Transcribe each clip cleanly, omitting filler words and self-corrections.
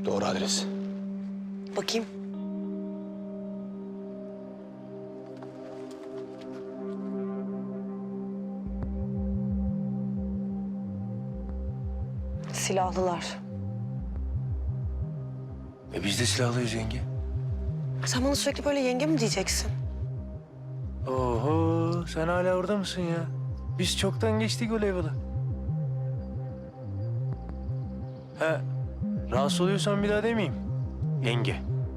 Doğru adres. Bakayım. Silahlılar. Biz de silahlıyız yenge. Sen bana sürekli böyle yenge mi diyeceksin? Oho, sen hala orada mısın ya? Biz çoktan geçtik o level'ı. He, rahatsız oluyorsan bir daha demeyeyim. Yenge.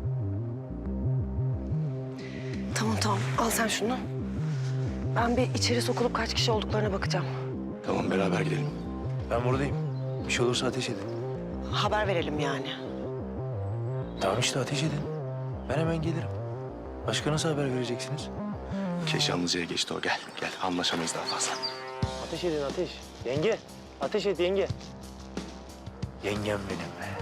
Tamam, al sen şunu. Ben bir içeri sokulup kaç kişi olduklarına bakacağım. Tamam, beraber gidelim. Ben buradayım. Bir şey olursa ateş edin. Haber verelim yani. Tamam işte ateş edin. Ben hemen gelirim. Başka nasıl haber vereceksiniz? Keşanlıca'ya geçti o. Gel, anlaşamayız daha fazla. Ateş edin ateş. Yenge, ateş et yenge. Yengem benim be.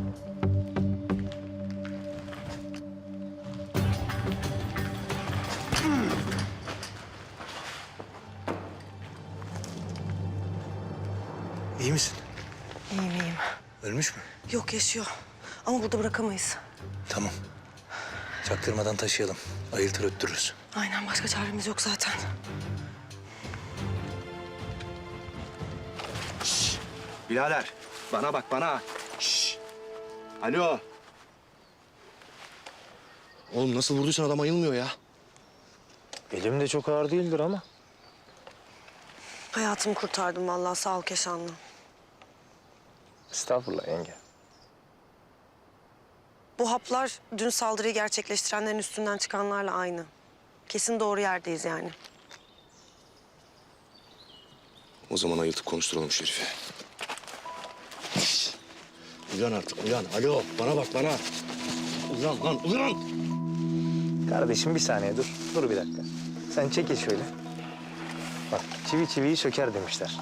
İyi misin? İyiyim. Ölmüş mü? Yok, yaşıyor. Ama burada bırakamayız. Tamam. Çaktırmadan taşıyalım. Ayıltır öttürürüz. Aynen, başka çaremiz yok zaten. Birader, bana bak, bana. Şşş. Alo. Oğlum nasıl vurduysan adam ayılmıyor ya. Elim de çok ağır değildir ama. Hayatımı kurtardım vallahi, sağ ol Keşanlı. Estağfurullah yenge. Bu haplar dün saldırıyı gerçekleştirenlerin üstünden çıkanlarla aynı. Kesin doğru yerdeyiz yani. O zaman ayıltıp konuşturalım şu herifi. Şşş. Uyan artık, uyan. Alo, bana bak, bana. Uyan lan, uyan! Kardeşim bir saniye dur. Dur bir dakika. Sen çekil şöyle. Bak çivi çiviyi söker demişler.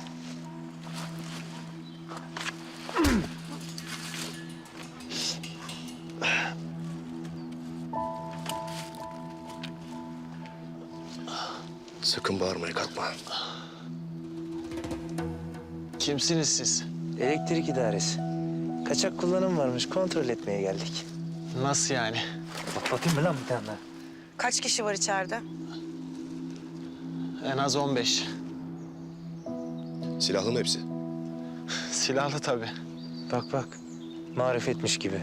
Sakın bağırmaya kalkma. Kimsiniz siz? Elektrik idaresi. Kaçak kullanım varmış. Kontrol etmeye geldik. Nasıl yani? Patlatayım mı lan bir tane daha? Kaç kişi var içeride? En az 15. Silahlı mı hepsi? Silahlı tabii. Bak bak. Marifetmiş gibi.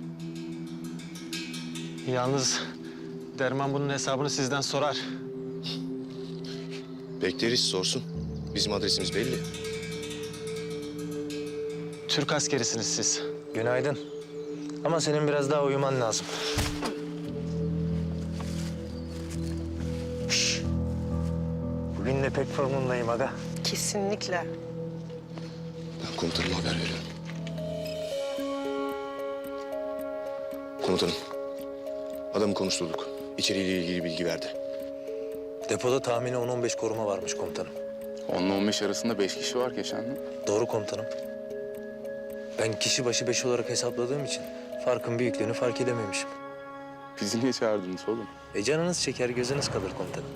Yalnız Derman bunun hesabını sizden sorar. Bekleriz, sorsun. Bizim adresimiz belli. Türk askerisiniz siz. Günaydın. Ama senin biraz daha uyuman lazım. Şş. Bugün de pek formundayım aga. Kesinlikle. Ben komutanıma haber veriyorum. Komutanım, adamı konuşturduk. İçeriğiyle ilgili bilgi verdi. Depoda tahmini 10-15 koruma varmış komutanım. 10 ile 15 arasında 5 kişi var Keşanlı. Doğru komutanım. Ben kişi başı 5 olarak hesapladığım için farkın büyüklüğünü fark edememişim. Bizi niye çağırdınız oğlum? Canınız çeker, gözünüz kalır komutanım.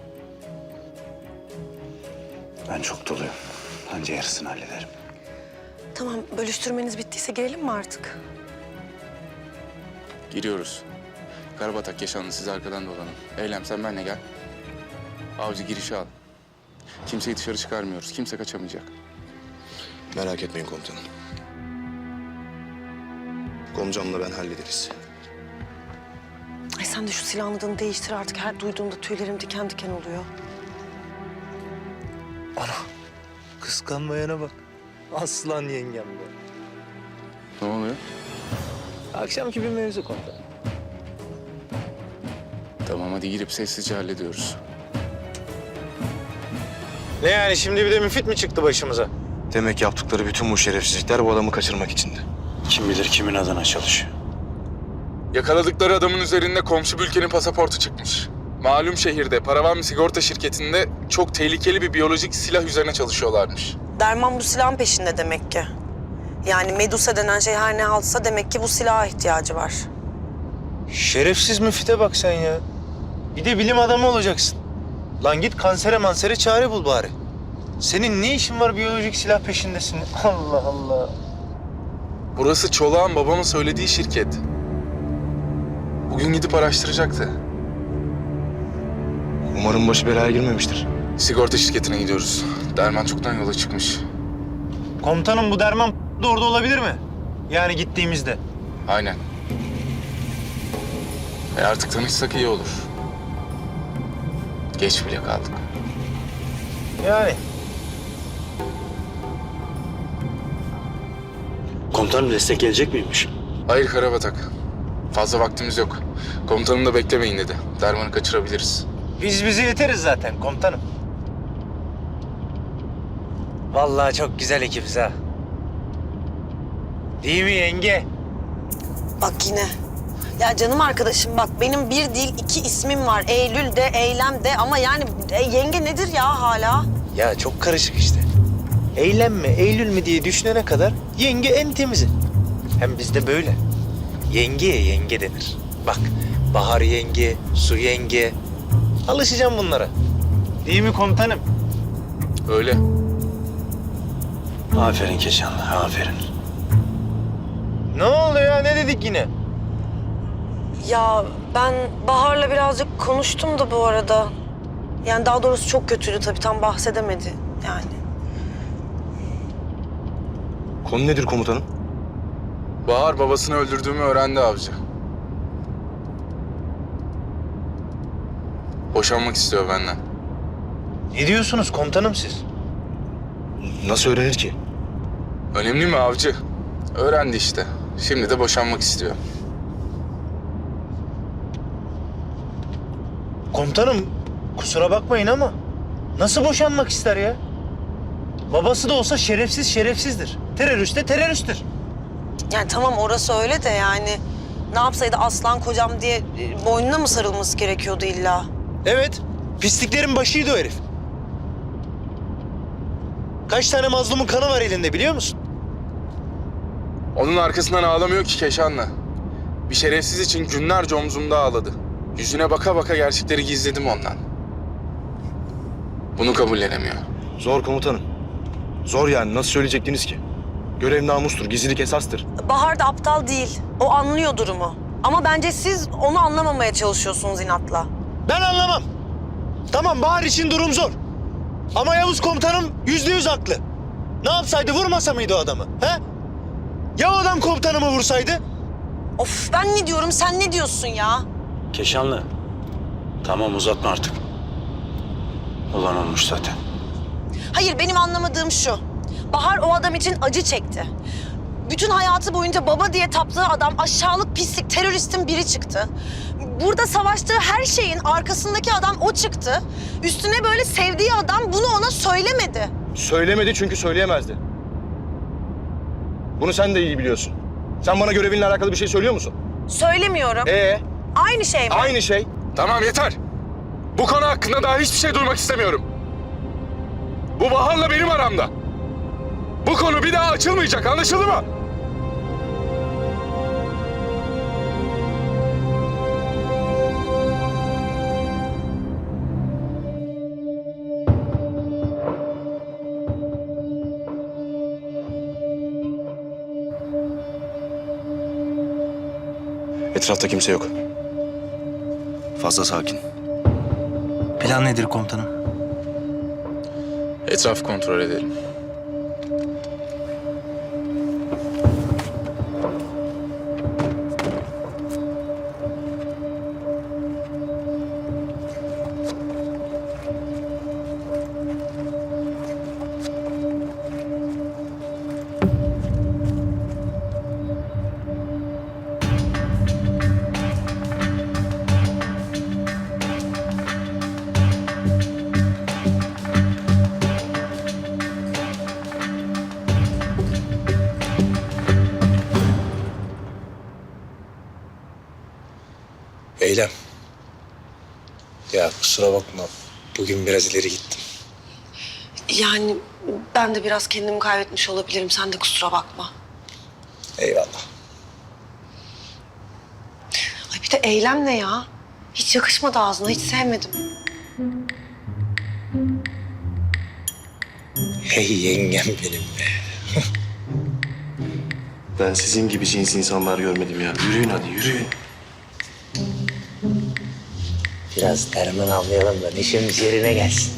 Ben çok doluyum. Anca yarısını hallederim. Tamam, bölüştürmeniz bittiyse girelim mi artık? Giriyoruz. Karabatak Keşanlı siz arkadan dolanın. Eylem sen benimle gel. Avcı girişi al. Kimseyi dışarı çıkarmıyoruz. Kimse kaçamayacak. Merak etmeyin komutanım. Komcamla ben hallederiz. Ay sen de şu silahını değiştir artık. Her duyduğumda tüylerim diken diken oluyor. Ana, kıskanmayana bak. Aslan yengem be. Ne oluyor? Akşamki bir mevzu komutanım. Tamam hadi girip sessizce hallediyoruz. Ne yani şimdi bir de müfit mi çıktı başımıza? Demek yaptıkları bütün bu şerefsizlikler bu adamı kaçırmak içindi. Kim bilir kimin adına çalışıyor. Yakaladıkları adamın üzerinde komşu bir ülkenin pasaportu çıkmış. Malum şehirde paravan bir sigorta şirketinde çok tehlikeli bir biyolojik silah üzerine çalışıyorlarmış. Derman bu silahın peşinde demek ki. Yani Medusa denen şey her ne haltsa demek ki bu silaha ihtiyacı var. Şerefsiz müfite bak sen ya. Bir de bilim adamı olacaksın. Lan git kansere mansere çare bul bari. Senin ne işin var biyolojik silah peşindesin? Allah Allah. Burası Çolak'ın babamın söylediği şirket. Bugün gidip araştıracaktı. Umarım başı belaya girmemiştir. Sigorta şirketine gidiyoruz. Derman çoktan yola çıkmış. Komutanım bu Derman da orada olabilir mi? Yani gittiğimizde. Aynen. Artık tanışsak iyi olur. Geç bile kaldık. Yani. Komutanım destek gelecek miymiş? Hayır Karabatak. Fazla vaktimiz yok. Komutanım da beklemeyin dedi. Derman'ı kaçırabiliriz. Biz bize yeteriz zaten komutanım. Vallahi çok güzel ekibiz ha. Değil mi yenge? Bak yine. Ya canım arkadaşım bak benim bir değil iki ismim var. Eylül de, Eylem de ama yani yenge nedir ya hala? Ya çok karışık işte. Eylem mi, Eylül mü diye düşünene kadar yenge en temizi. Hem bizde böyle. Yengeye yenge denir. Bak, bahar yenge, su yenge. Alışacağım bunlara. Değil mi komutanım? Öyle. Aferin Keşanlı, aferin. Ne oldu ya? Ne dedik yine? Ya ben Bahar'la birazcık konuştum da bu arada. Yani daha doğrusu çok kötüydü tabii tam bahsedemedi yani. Konu nedir komutanım? Bahar babasını öldürdüğümü öğrendi avcı. Boşanmak istiyor benden. Ne diyorsunuz komutanım siz? Nasıl öğrenir ki? Önemli mi avcı? Öğrendi işte. Şimdi de boşanmak istiyor. Komutanım kusura bakmayın ama nasıl boşanmak ister ya? Babası da olsa şerefsiz şerefsizdir. Terörist de teröristtir. Yani tamam orası öyle de yani ne yapsaydı aslan kocam diye boynuna mı sarılması gerekiyordu illa? Evet, pisliklerin başıydı o herif. Kaç tane mazlumun kanı var elinde biliyor musun? Onun arkasından ağlamıyor ki Keşanlı. Bir şerefsiz için günlerce omzumda ağladı. Yüzüne baka baka gerçekleri gizledim ondan. Bunu kabullenemiyor. Zor komutanım. Zor yani, nasıl söyleyecektiniz ki? Görev namustur, gizlilik esastır. Bahar da aptal değil. O anlıyor durumu. Ama bence siz onu anlamamaya çalışıyorsunuz inatla. Ben anlamam. Tamam Bahar için durum zor. Ama Yavuz komutanım %100 haklı. Ne yapsaydı vurmasa mıydı o adamı? He? Ya o adam komutanımı vursaydı? Of ben ne diyorum sen ne diyorsun ya? Keşanlı, tamam uzatma artık. Olan olmuş zaten. Hayır benim anlamadığım şu. Bahar o adam için acı çekti. Bütün hayatı boyunca baba diye taptığı adam aşağılık pislik teröristin biri çıktı. Burada savaştığı her şeyin arkasındaki adam o çıktı. Üstüne böyle sevdiği adam bunu ona söylemedi. Söylemedi çünkü söyleyemezdi. Bunu sen de iyi biliyorsun. Sen bana görevinle alakalı bir şey söylüyor musun? Söylemiyorum. Aynı şey mi? Aynı şey. Tamam yeter. Bu konu hakkında daha hiçbir şey duymak istemiyorum. Bu Bahar'la benim aramda. Bu konu bir daha açılmayacak, anlaşıldı mı? Etrafta kimse yok. Fazla sakin. Plan nedir komutanım? Etrafı kontrol edelim. Eylem. Ya kusura bakma. Bugün biraz ileri gittim. Yani ben de biraz kendimi kaybetmiş olabilirim. Sen de kusura bakma. Eyvallah. Ay bir de eylem ne ya? Hiç yakışmadı ağzına, hiç sevmedim. Hey yengem benim be. Ben sizin gibi cins insanlar görmedim ya. Yürüyün hadi yürüyün. Biraz derman avlayalım da neşemiz yerine gelsin.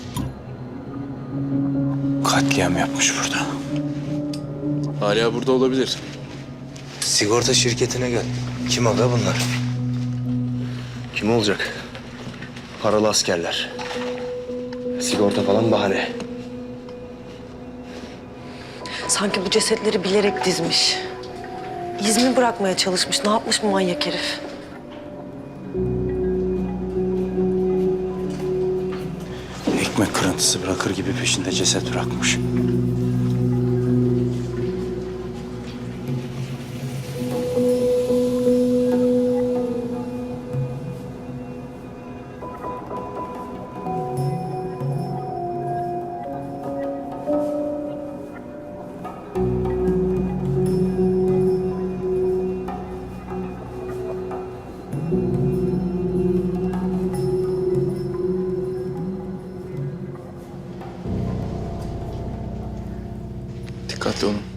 Katliam yapmış burada. Hala burada olabilir. Sigorta şirketine gel. Kim aga bunlar? Kim olacak? Paralı askerler. Sigorta falan bahane. Sanki bu cesetleri bilerek dizmiş. İz mi bırakmaya çalışmış? Ne yapmış bu manyak herif? Ekmek kırıntısı bırakır gibi peşinde ceset bırakmış. Dikkatli olun.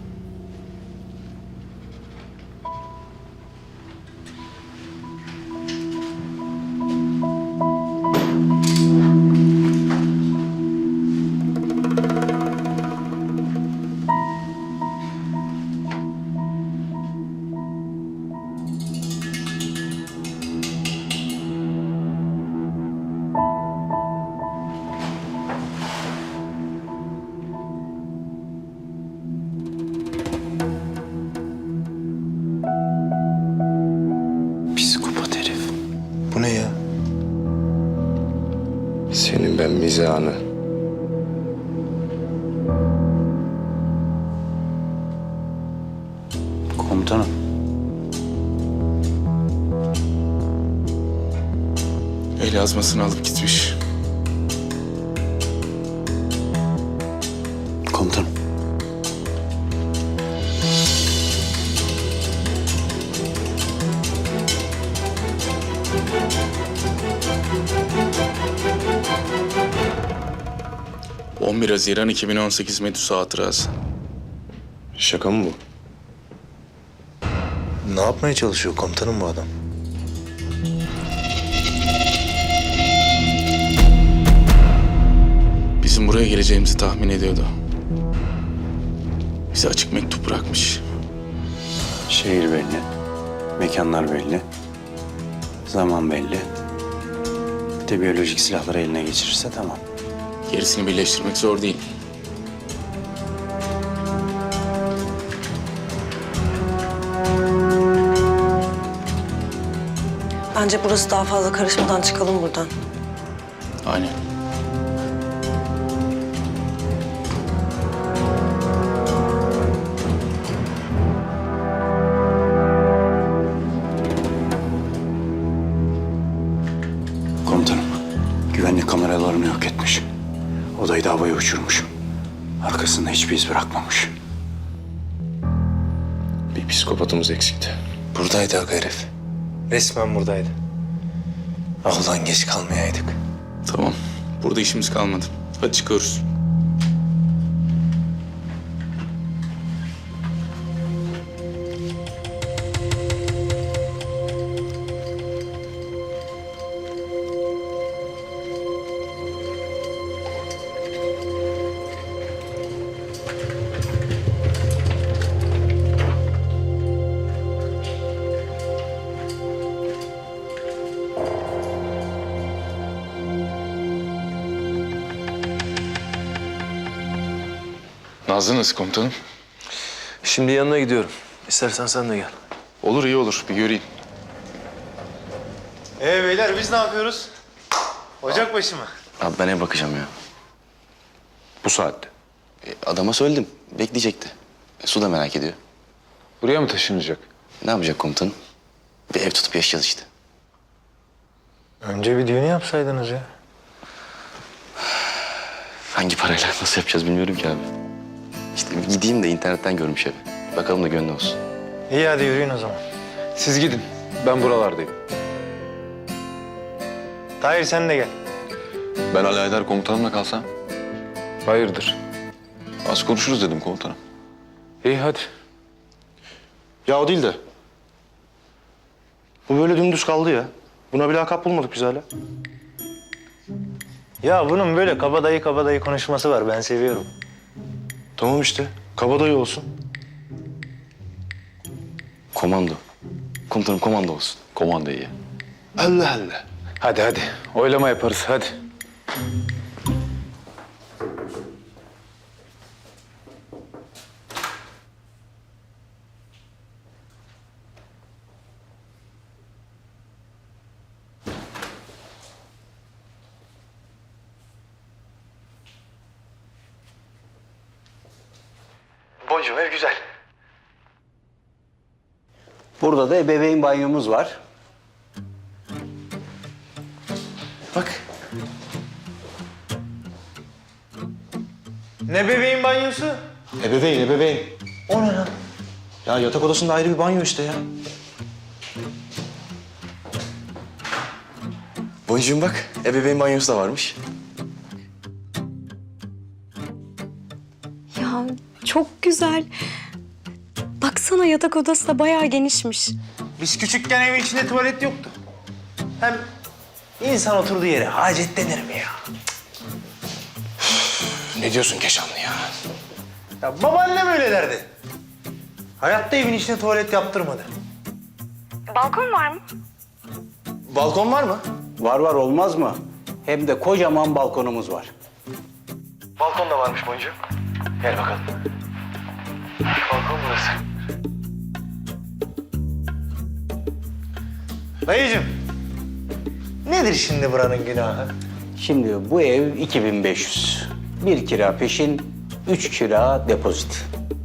Psikopat herif. Bu ne ya? Senin ben mizahını. Komutanım. El yazmasını alıp gitmiş. Komutanım. — 11 Haziran 2018 Medusa hatırası. Şaka mı bu? Ne yapmaya çalışıyor komutanım bu adam? Bizim buraya geleceğimizi tahmin ediyordu. Bize açık mektup bırakmış. Şehir belli. Mekanlar belli. Zaman belli. Bir de biyolojik silahları eline geçirirse tamam. Gerisini birleştirmek zor değil. Bence burası daha fazla karışmadan çıkalım buradan. Aynen. Komutanım. Güvenlik kameralarını yok etmiş. Odayı da havaya uçurmuş. Arkasında hiçbir iz bırakmamış. Bir psikopatımız eksikti. Buradaydı aga herif. Resmen buradaydı. Ah ulan geç kalmayaydık. Tamam. Burada işimiz kalmadı. Hadi çıkıyoruz. Nazlı nasıl komutanım? Şimdi yanına gidiyorum. İstersen sen de gel. Olur, iyi olur. Bir göreyim. Beyler biz ne yapıyoruz? Ocakbaşı mı? Abi ben eve bakacağım ya. Bu saatte. Adama söyledim. Bekleyecekti. Su da merak ediyor. Buraya mı taşınacak? Ne yapacak komutanım? Bir ev tutup yaşayacağız işte. Önce bir düğünü yapsaydınız ya. Hangi parayla nasıl yapacağız bilmiyorum ki abi. İşte bir gideyim de internetten görmüş evi. Bakalım da gönlü olsun. İyi hadi yürüyün o zaman. Siz gidin. Ben buralardayım. Tahir sen de gel. Ben Ali Aydar komutanımla kalsam? Hayırdır? Az konuşuruz dedim komutanım. İyi hadi. Ya o değil de. Bu böyle dümdüz kaldı ya. Buna bir lakap bulmadık biz hala. Ya bunun böyle kabadayı konuşması var. Ben seviyorum. Tamam işte. Kabadayı olsun. Komando. Komutanım komando olsun. Komanda iyi. Allah Allah. Hadi hadi. Oylama yaparız hadi. Boncuğum ev güzel. Burada da ebeveyn banyomuz var. Bak. Ne bebeğin banyosu? Ebeveyn. O ne lan? Ya yatak odasında ayrı bir banyo işte ya. Boncuğum bak, ebeveyn banyosu da varmış. Ya çok güzel. Baksana yatak odası da bayağı genişmiş. Biz küçükken evin içinde tuvalet yoktu. Hem insan oturduğu yere hacet denir mi ya? Ne diyorsun Keşanlı ya? Ya babaannem öyle derdi. Hayatta evin içine tuvalet yaptırmadı. Balkon var mı? Balkon var mı? Var olmaz mı? Hem de kocaman balkonumuz var. Balkon da varmış Boncuğum. Gel bakalım. Balkon burası. Dayıcığım. Nedir şimdi buranın günahı? Şimdi bu ev 2500. 1 kira peşin, 3 kira depozit.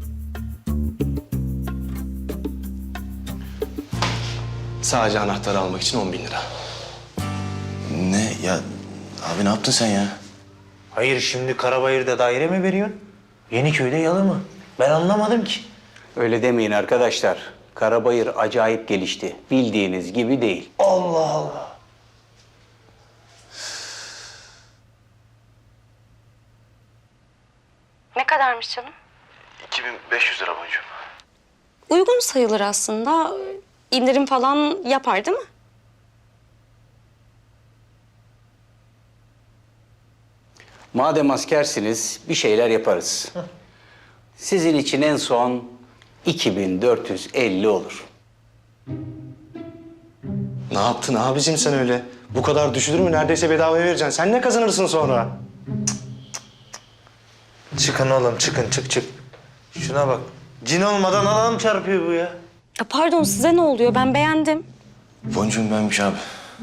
Sadece anahtarı almak için 10.000 lira. Ne ya? Abi ne yaptın sen ya? Hayır şimdi Karabayır'da daire mi veriyorsun? Yeniköy'de yalı mı? Ben anlamadım ki. Öyle demeyin arkadaşlar. Karabayır acayip gelişti. Bildiğiniz gibi değil. Allah Allah. Ne kadarmış canım? 2500 lira boncuğum. Uygun sayılır aslında. İndirim falan yapar değil mi? Madem askersiniz bir şeyler yaparız. Sizin için en son 2450 olur. Ne yaptın abicim sen öyle? Bu kadar düşülür mü? Neredeyse bedavaya vereceksin. Sen ne kazanırsın sonra? Çıkın oğlum çıkın çık. Şuna bak. Cin olmadan adam çarpıyor bu ya. Ya pardon size ne oluyor? Ben beğendim. Boncuğum benmiş abi.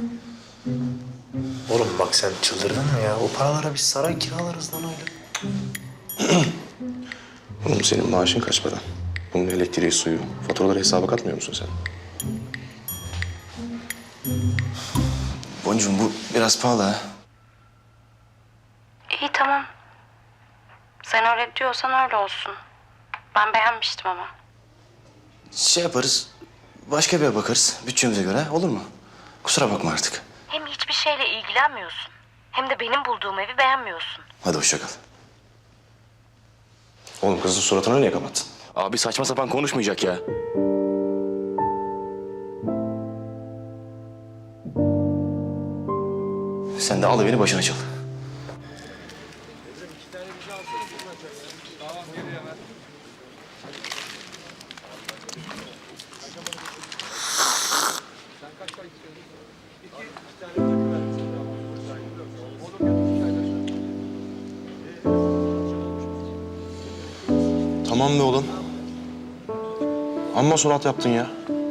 Oğlum bak sen çıldırdın mı ya? O paralara biz saray kiralarız lan öyle. Oğlum senin maaşın kaç para? Bunun elektriği, suyu, faturaları hesaba katmıyor musun sen? Boncuğum bu biraz pahalı ha. İyi tamam. Sen öyle diyorsan öyle olsun. Ben beğenmiştim ama. Şey yaparız, başka bir eve bakarız bütçemize göre olur mu? Kusura bakma artık. Hem hiçbir şeyle ilgilenmiyorsun. Hem de benim bulduğum evi beğenmiyorsun. Hadi hoşça kal. Oğlum kızın suratını niye kapattın? Abi saçma sapan konuşmayacak ya. Sen de al beni başına çal. Tamam be oğlum. Amma surat yaptın ya.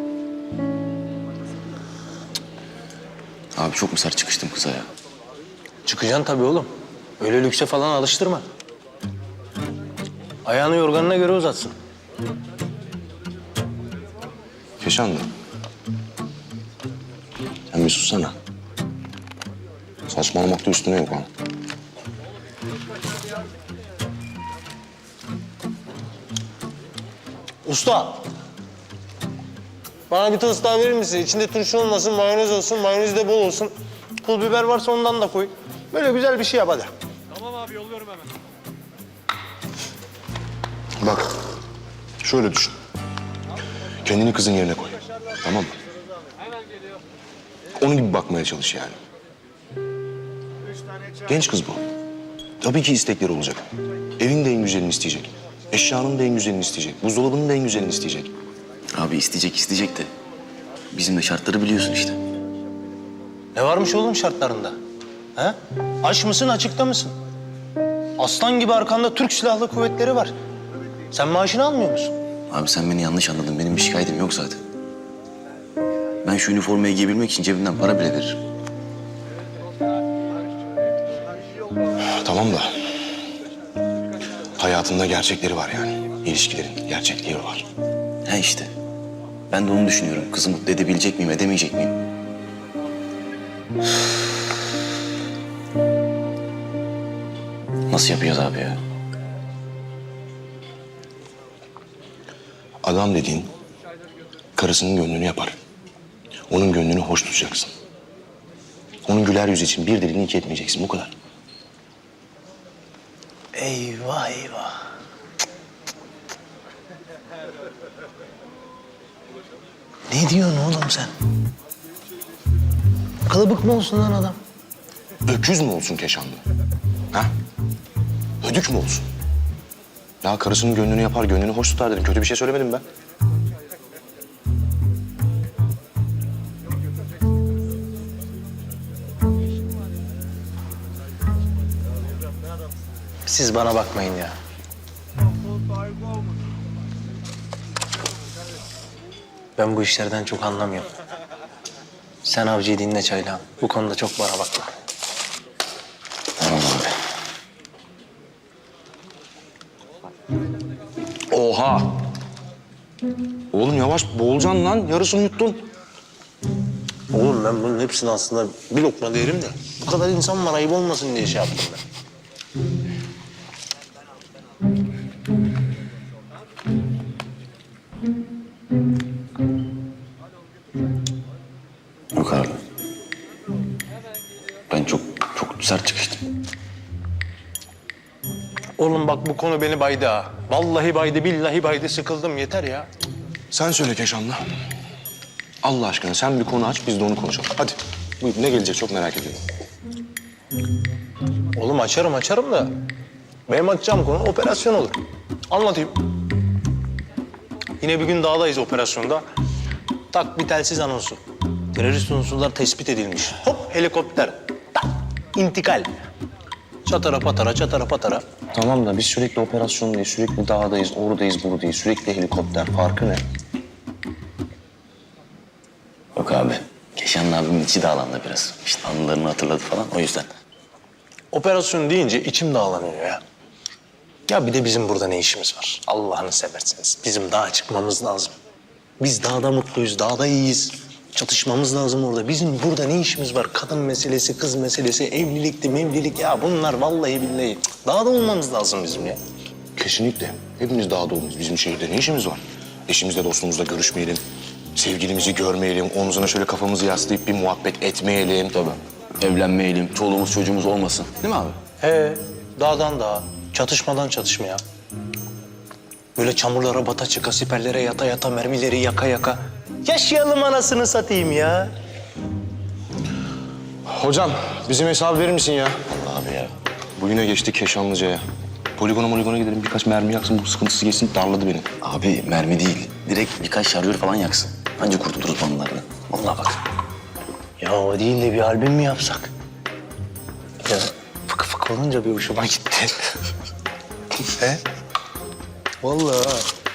Abi çok mu sert çıkıştım kıza ya? Çıkacaksın tabii oğlum. Öyle lükse falan alıştırma. Ayağını yorganına göre uzatsın. Keşanlı. Sen bir sussana. Saçmalamakta üstüne yok ha. Usta. Bana bir tost daha verir misin? İçinde turşu olmasın, mayonez olsun, mayonez de bol olsun. Pul biber varsa ondan da koy. Böyle güzel bir şey yap hadi. Bak, şöyle düşün. Kendini kızın yerine koy. Tamam mı? Onun gibi bakmaya çalış yani. Genç kız bu. Tabii ki istekleri olacak. Evin de en güzelini isteyecek. Eşyanın da en güzelini isteyecek. Buzdolabının da en güzelini isteyecek. Abi isteyecek de. Bizim de şartları biliyorsun işte. Ne varmış oğlum şartlarında? Ha? Aç mısın, açıkta mısın? Aslan gibi arkanda Türk Silahlı Kuvvetleri var. Sen maaşını almıyor musun? Abi sen beni yanlış anladın. Benim bir şikayetim yok zaten. Ben şu üniformayı giyebilmek için cebimden para bile veririm. Tamam da hayatında gerçekleri var yani. İlişkilerin gerçekliği var. Ha işte. Ben de onu düşünüyorum. Kızı mutlu edebilecek miyim, edemeyecek miyim? Nasıl yapacağız abi ya? Adam dediğin karısının gönlünü yapar. Onun gönlünü hoş tutacaksın. Onun güler yüzü için bir dilini iki etmeyeceksin. Bu kadar. Eyvah eyvah. Ne diyorsun oğlum sen? Kılıbık mı olsun lan adam? Öküz mü olsun Keşanlı? Ha? Ödük mü olsun? Ya karısının gönlünü yapar, gönlünü hoş tutar dedim. Kötü bir şey söylemedim ben. Siz bana bakmayın ya. Ben bu işlerden çok anlamıyorum. Sen Avcı'yı dinle Çaylağım. Bu konuda çok bana bakma. Tamam abi. Oha! Oğlum yavaş boğulacaksın lan. Yarısını yuttun. Oğlum ben bunun hepsini aslında bir lokma derim de bu kadar insan var ayıp olmasın diye şey yaptım ben. Yok abi. Ben çok sert çıkıştım. Oğlum bak bu konu beni baydı ha. Vallahi baydı, billahi baydı. Sıkıldım yeter ya. Sen söyle Keşanlı. Allah aşkına sen bir konu aç, biz de onu konuşalım. Hadi. Buyur, ne gelecek çok merak ediyorum. Oğlum açarım da benim açacağım konu operasyon olur. Anlatayım. Yine bir gün dağdayız operasyonda. Tak bir telsiz anonsu. Terörist unsurlar tespit edilmiş. Hop helikopter. Tak intikal. Çatara patara. Tamam da biz sürekli operasyondayız, sürekli dağdayız, oradayız, buradayız. Sürekli helikopter. Farkı ne? Yok abi. Keşanlı abimin içi dağlandı biraz. İşte anılarını hatırladı falan o yüzden. Operasyon deyince içim dağlanıyor ya. Ya bir de bizim burada ne işimiz var? Allah'ını severseniz. Bizim dağa çıkmamız lazım. Biz dağda mutluyuz, dağda iyiyiz. Çatışmamız lazım orada. Bizim burada ne işimiz var? Kadın meselesi, kız meselesi, evlilikti, mevlilik. Ya bunlar vallahi billahi. Cık, dağda olmamız lazım bizim ya. Kesinlikle. Hepimiz dağda olmalıyız. Bizim şehirde ne işimiz var? Eşimizle, dostumuzla görüşmeyelim. Sevgilimizi görmeyelim. Omzuna şöyle kafamızı yaslayıp bir muhabbet etmeyelim. Tabii. Evlenmeyelim, çoluğumuz çocuğumuz olmasın. Değil mi abi? He, dağdan dağa, çatışmadan çatışmaya. Böyle çamurlara bata çıka, siperlere yata yata, mermileri yaka yaka. Yaşayalım anasını satayım ya. Hocam bizim hesabı verir misin ya? Abi ya. Bugüne geçtik Keşanlıca'ya. Poligona gidelim birkaç mermi yaksın bu sıkıntısı geçsin darladı beni. Abi mermi değil. Direkt birkaç şarjör falan yaksın. Anca kurtuluruz bunlardan. Vallahi bak. Ya o değil de bir albüm mü yapsak? Ya fıkı fıkı olunca bir hoşuma gitti. He? Vallahi ha.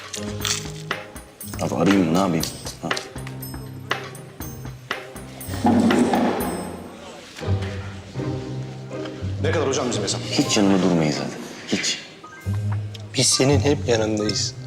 Abi arayayım mı ne yapayım? Ha. Ne kadar hocam bizim hesap? Hiç yanında durmayız zaten. Hiç. Biz senin hep yanındayız.